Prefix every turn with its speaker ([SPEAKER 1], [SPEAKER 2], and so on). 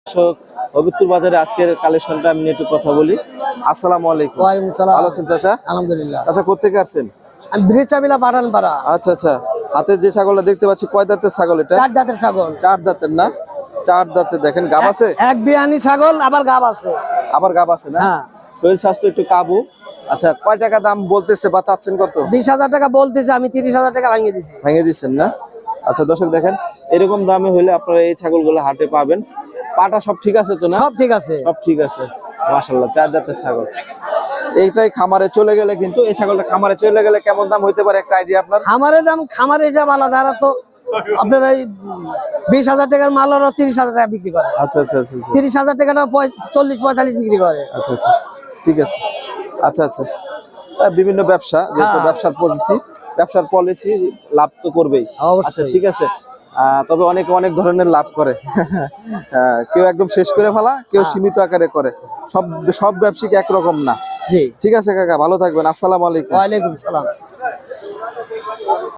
[SPEAKER 1] দর্শক, পবিত্র বাজারে আজকের কালেকশনটা আমি নিয়ে একটু কথা বলি। আসসালামু আলাইকুম।
[SPEAKER 2] ওয়ালাইকুম সালাম।
[SPEAKER 1] ভালো আছেন চাচা?
[SPEAKER 2] আলহামদুলিল্লাহ।
[SPEAKER 1] চাচা কোত্থেকে আসছেন?
[SPEAKER 2] আমি ব্রিচাবিলা পাঠানপাড়া।
[SPEAKER 1] আচ্ছা আচ্ছা, হাতে যে ছাগলটা দেখতে পাচ্ছি কয় দাঁতের ছাগল এটা?
[SPEAKER 2] 4 দাঁতের ছাগল।
[SPEAKER 1] 4 দাঁতের না? 4 দাঁতের। দেখেন গাব আছে?
[SPEAKER 2] এক বিয়ানি ছাগল আবার গাব আছে।
[SPEAKER 1] আবার গাব আছে না?
[SPEAKER 2] হ্যাঁ।
[SPEAKER 1] শরীর স্বাস্থ্য একটু কাবু। আচ্ছা, কয় টাকা দাম বলতেছে বা চাচ্ছেন কত?
[SPEAKER 2] 20,000 টাকা বলতেছে, আমি 30,000 টাকা ভাঙিয়ে দিছি।
[SPEAKER 1] ভেঙে দিচ্ছেন না? আচ্ছা দর্শক দেখেন, এরকম দামে হলে আপনারা এই ছাগলগুলো হাটে পাবেন। পাটা সব ঠিক আছে তো না?
[SPEAKER 2] সব ঠিক আছে।
[SPEAKER 1] সব ঠিক আছে মাশাআল্লাহ। 4 দাঁতের ছাগল। এইটাই খামারে চলে গেলে, কিন্তু এই ছাগলটা খামারে চলে গেলে কেমন দাম হইতে পারে একটা আইডিয়া আপনার?
[SPEAKER 2] খামারের দাম, খামারের হিসাব আলাদা। আর তো আপনার এই 20,000 টাকার মাল আর 30,000 টাকা বিক্রি করে।
[SPEAKER 1] আচ্ছা আচ্ছা আচ্ছা আচ্ছা
[SPEAKER 2] 30,000 টাকাটা 40-45 বিক্রি করে।
[SPEAKER 1] আচ্ছা আচ্ছা, ঠিক আছে। আচ্ছা আচ্ছা, বিভিন্ন ব্যবসা, যেহেতু ব্যবসার পলিসি লাভ তো করবেই।
[SPEAKER 2] অবশ্যই।
[SPEAKER 1] আচ্ছা ঠিক আছে। তবে অনেকে অনেক ধরনের লাভ করে। কেউ একদম শেষ করে ফেলা, কেউ সীমিত আকারে করে। সব ব্যবসায়িক একরকম না।
[SPEAKER 2] জি।
[SPEAKER 1] ঠিক আছে কাকা, ভালো থাকবেন। আসসালামু আলাইকুম।
[SPEAKER 2] ওয়ালাইকুম সালাম।